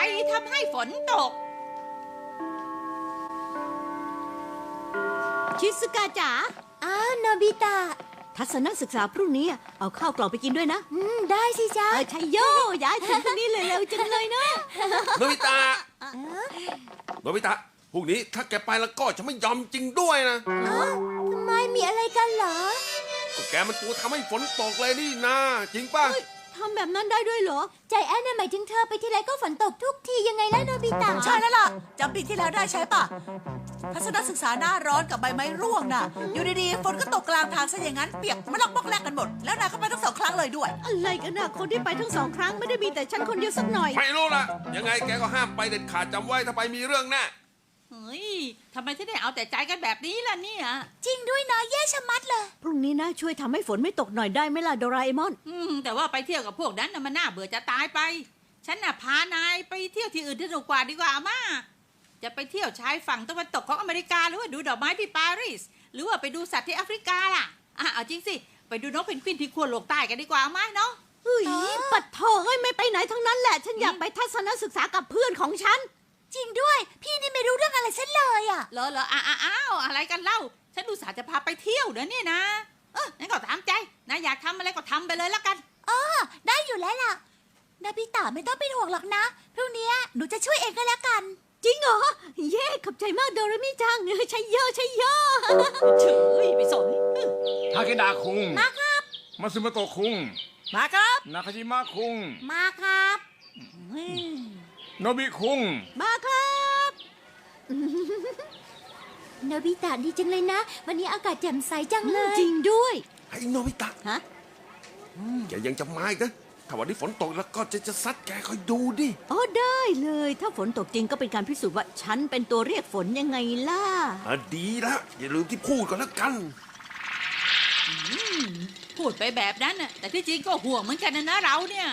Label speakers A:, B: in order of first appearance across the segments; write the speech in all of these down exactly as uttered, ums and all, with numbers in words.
A: ทำให้ฝนตก
B: ชิซึกะจ๋า
C: อ้าวโนบิตะ
B: ทัศนศึกษาพรุ่งนี้เอาข้าวกล่องไปกินด้วยนะ
C: อืมได้สิจ๊ะ
B: เออชัยโยย้ายถึงพรุ่งนี้เลยเร็วจังเลยเนาะ
D: โนบิตะโนบิตะพรุ่งนี้ถ้าแกไปแล้วก็จะไม่ยอมจริงด้วยนะ
C: อ้าวทำไมมีอะไรกันเหรอ
D: ก็แกมันตัวทำให้ฝนตกเลยนี่นะจริงป่ะ
B: ทำแบบนั้นได้ด้วยเหรอ
C: ใจแอนน่ะหมายถึงเธอไปที่ไรก็ฝนตกทุกทียังไงล่ะโนบิตะ
E: ใช่แล้วล่ะจำปีที่แล้วได้ใช่ป่ะทัศนศึกษาหน้าร้อนกับใบไม้ร่วงน่ะอยู่ดีๆฝนก็ตกกลางทางซะอย่างนั้นเปียกมันลอกบอกแลกกันหมดแล้วนายก็ไปทั้งสองครั้งเลยด้วย
B: อะไรกันนะคนที่ไปทั้งสองครั้งไม่ได้มีแต่ฉันคนเดียวสักหน่อย
D: ไม่รู้ละยังไงแกก็ห้ามไปเด็ดขาดจำไว้ถ้าไปมีเรื่องแน่
A: เฮ้ยทำไมที่ได้เอาแต่ใจกันแบบนี้ล่ะเนี่ย
C: จริงด้วยเนาะแย่ชะมัดเลย
B: พรุ่งนี้นะช่วยทำให้ฝนไม่ตกหน่อยได้ไหมล่ะโดราเอมอน
A: อืมแต่ว่าไปเที่ยวกับพวกนั้นน่ะมันน่าเบื่อจะตายไปฉันน่ะพานายไปเที่ยวที่อื่นสนุกกว่าดีกว่าอาม่าจะไปเที่ยวชายฝั่งตะวันตกของอเมริกาหรือว่าดูดอกไม้ที่ปารีสหรือว่าไปดูสัตว์ที่แอฟริกาล่ะอ่ะเอาจริงสิไปดูนกเพนกวินที่ขั้วโลกใต้กันดีกว่าอาม่าเนาะ
B: เฮ้ยปัดโถเอ้ยไม่ไปไหนทั้งนั้นแหละฉันอยากไปทัศนศึกษากับเพื่อนของฉัน
C: จริงด้วยพี่นี่ไม่รู้เรื่องอะไรฉันเลยอ่ะ
A: เหรอเหรออ้าวอ้าวอะไรกันเล่าฉันดูสาจะพาไปเที่ยวเดี๋ยวนี้นะเอองั้นก็ตามใจนะอยากทำอะไรก็ทำไปเลยละกัน
C: อ๋อได้อยู่แล้วล่ะนาบิตะไม่ต้องเป็นห่วงหรอกนะพรุ่งนี้หนูจะช่วยเองก็แล้วกัน
B: จริงเหรอเย่ขอบใจมากโดเรมิจังใช่เยอะใช่เยอะ
A: เฉยไปสน
F: ทาเคดาคุง
C: มาครับ
F: มาซึมโตะคุง
E: มาครับ
F: นาคาจิมะคุง
C: มาครับ
F: โนบิคุง
B: มาครับ
C: โนบิตะดีจังเลยนะวันนี้อากาศแจ่มใสจังเลย
B: จริงด้วย
D: ไอ้โนบิตะ
B: ฮะ
D: แกยังจะมาอีกนะถ้าวันนี้ฝนตกแล้วก็จะจะซัดแกคอยดูดิ
B: อ๋อได้เลยถ้าฝนตกจริงก็เป็นการพิสูจน์ว่าฉันเป็นตัวเรียกฝนยังไงล่ะ
D: อ่ะดีละอย่าลืมที่พูดก่อนแล้วกัน
A: พูดไปแบบนั้นน่ะแต่ที่จริงก็ห่วงเหมือนกันนะนะเราเนี่ย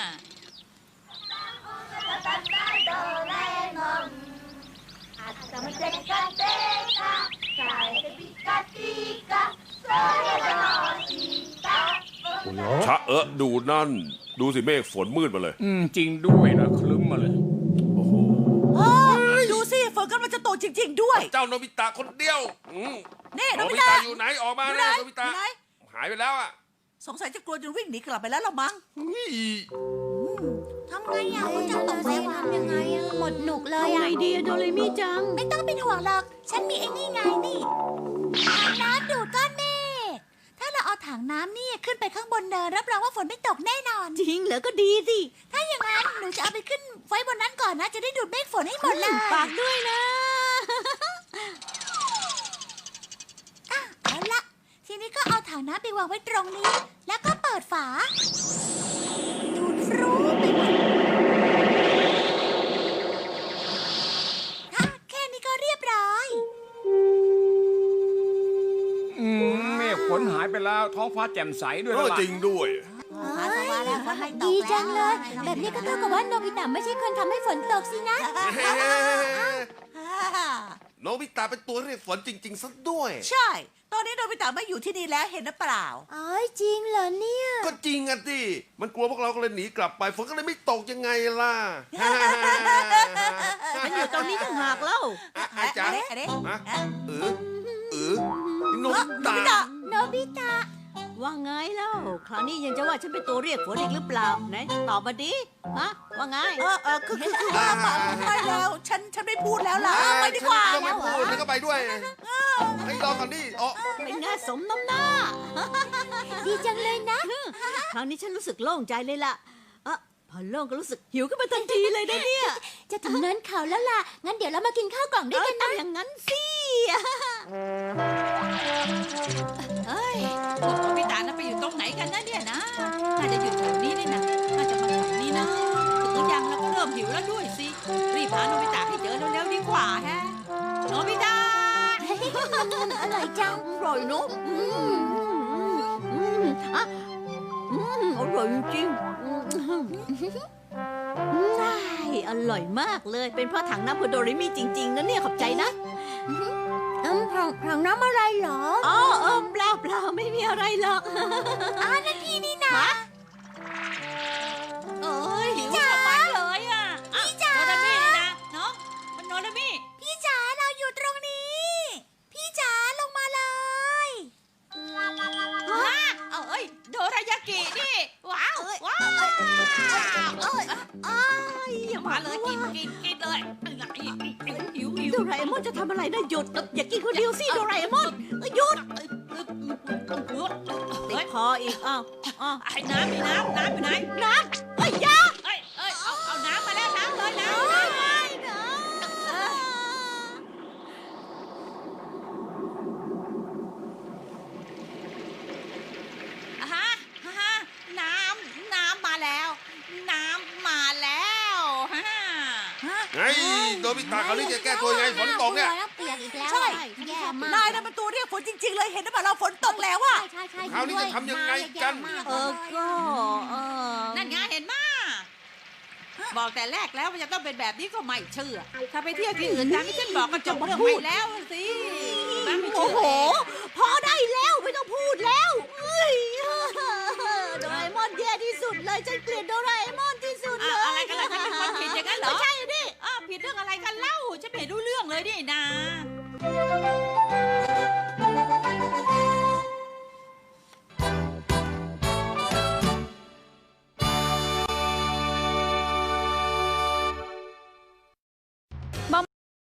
D: ชะเออดูนั่นดูสิเมฆฝนมืดมาเลย
F: อืมจริงด้วยนะคลึ้มมาเลย
D: โอ้โห
E: ดูสิฝนกำลังจะตกจริงๆด้วย
D: เจ้าโนบิตะคนเดียว
E: นี่โนบิ
D: ตะอยู่ไหนออกมาเลยโนบิตะหายไปแล้วอ่ะ
E: สงสัยจะกลัวจนวิ่งหนีกลับไปแล้วละมั้ง
C: ทำไงอ่ะคุณจะตกใจทำยังไงอ่ะหมดหนุกเลยอ่ะ
B: ไงดีโดเรมิจัง
C: ไม่ต้องเป็นห่วงหรอกฉันมีไอ้นี่ไงนี่ถังน้ำดูดก้อนเมฆถ้าเราเอาถังน้ำนี่ขึ้นไปข้างบนเนินรับรองว่าฝนไม่ตกแน่นอน
B: จริงเหรอก็ดีสิ
C: ถ้าอย่างนั้นหนูจะเอาไปขึ้นไว้บนนั้นก่อนนะจะได้ดูดเมฆฝนให้หมดเลย
B: ฝากด้วยนะ
C: เอาละทีนี้ก็เอาถังน้ำไปวางไว้ตรงนี้แล้วก็เปิดฝาดูดฟรุ้งไปหมดแค่นี้ก็เรียบร้อย
F: อืมเมฆฝนหายไปแล้วท้องฟ้าแจ่มใสด้วยล่ะ
D: จริงด้วย
C: ดีจังเลยแบบนี้ก็เท่ากับว่าโนบิตะไม่ใช่คนทำให้ฝนตกสินะ
D: โนบิตะเป็นตัวเรียกฝนจริงๆซะด้วย
E: ใช่ตอนนี้โนบิตะไม่อยู่ที่นี่แล้วเห็นหรือเปล่า
C: อ๋อจริงเหรอเนี่ย
D: ก็จริงอ่ะดิมันกลัวพวกเราก็เลยหนีกลับไปฝนก็เลยไม่ตกยังไงล่ะ
B: ฉันอยู่ตรงนี้ต่างหากเล่า
D: อาจารย์เออเออโนบิตะ
C: โนบิตะ
B: ว่าไงเล่าคราวนี้ยังจะว่าฉันเป็นตัวเรียกฝนอีกหรือเปล่าไหนตอบมาดิฮะว่าไง
E: เออเออคือคือคือว่าไปแล้วฉันฉันไม่พูดแล้วล่ะไปดีกว่า
D: ก็ไม่พูดแล้วก็ไปด้วยให้รอก่อนดิอ๋อ
B: เป็นไงสมน้ำหน้า
C: ดีจังเลยนะ
B: คราวนี้ฉันรู้สึกโล่งใจเลยล่ะเออพอโล่งก็รู้สึกหิวขึ้นมาทันทีเลยนะเนี่ย
C: จะถึงเนินเขาแล้วล่ะงั้นเดี๋ยวเรามากินข้าวกล่องด้วยกันนะ
B: อย่างนั้นสิ
A: เฮ้ยพวกโนบิตะน่ะไปอยู่ตรงไหนกันนะเนี่ยนะน่าจะอยู่แถวนี้นี่นะน่าจะมาแถวนี้นะถึงยังเราก็เริ่มหิวแล้วด้วยสิรีบหาโนบิตะให้เจอเร็วๆดีกว่าฮะโนบิตะ
C: มันอร่อยจัง
B: อร่อยเนอะอ่ะอร่อยจริงใช่อร่อยมากเลยเป็นเพราะถังน้ำโดเรมิจริงๆนะเนี่ยขอบใจนะ
C: อืมถังถังน้ำอะไรเหรอ
B: อ๋อเออเปล่าเปล่าไม่มีอะไรหรอก
C: อ๋อนั่นพี่นี่นะ
A: เอ้ยหิวมากเลยอ่ะ
C: พี่จ๋า
A: มาเลยกินกินกินเลยหิวหิว
B: โดราเอมอนจะทำอะไรนะหยุด อย่ากินคนเดียวสิโดราเอมอนหยุดติดคออีกอ้าวอ้าว
A: ไอ้น้ำมีน้ำน้ำอยู่ไหน
B: น้ำเอ้ยยา
A: เอ้ยเอ้ยเอาเอาน้ำมาแล้วน้ำเลยน้ำน้ำฮะฮะน้ำน้ำมาแล้ว น้ำมาแล้วฮะ
D: ไงโดบิตะเขาวนี่จะแก้ตัวยังไงฝนตกเนี่ย
C: เปียกอีกแล้ว
E: ใช่
C: แย่มาก
E: นายน่ะมันตัวเรียกฝนจริง ๆ เลยเห็นหรือเปล่าเราฝนตกแล้วอะ
C: ใช่ใช่
D: คราวนี้จะทำยังไงกัน
B: เออก็เออ
A: นั่นไงเห็นมาบอกแต่แรกแล้วมันจะต้องเป็นแบบนี้ก็ไม่เชื่อ ถ้าไปเที่ยวที่อื่นตามที่ฉันบอกก็จบเรื่องไปแล้วสิบ้าไม่
B: โอ้
A: เชื่อ
B: โห พอได้แล้วไม่ต้องพูดแล้วเอ้ยโดราเอมอนแย่ที่สุดเลยฉันเกลียดโดราเอมอนที่สุดเลย
A: อ่ะอะไรกันล่ะฉันเป็นคนผิดอย่างนั้นเหรอ
B: ไม่ใช่ดิ
A: อ้าวผิดเรื่องอะไรกันเล่าฉันไม่รู้เรื่องเลยนี่นา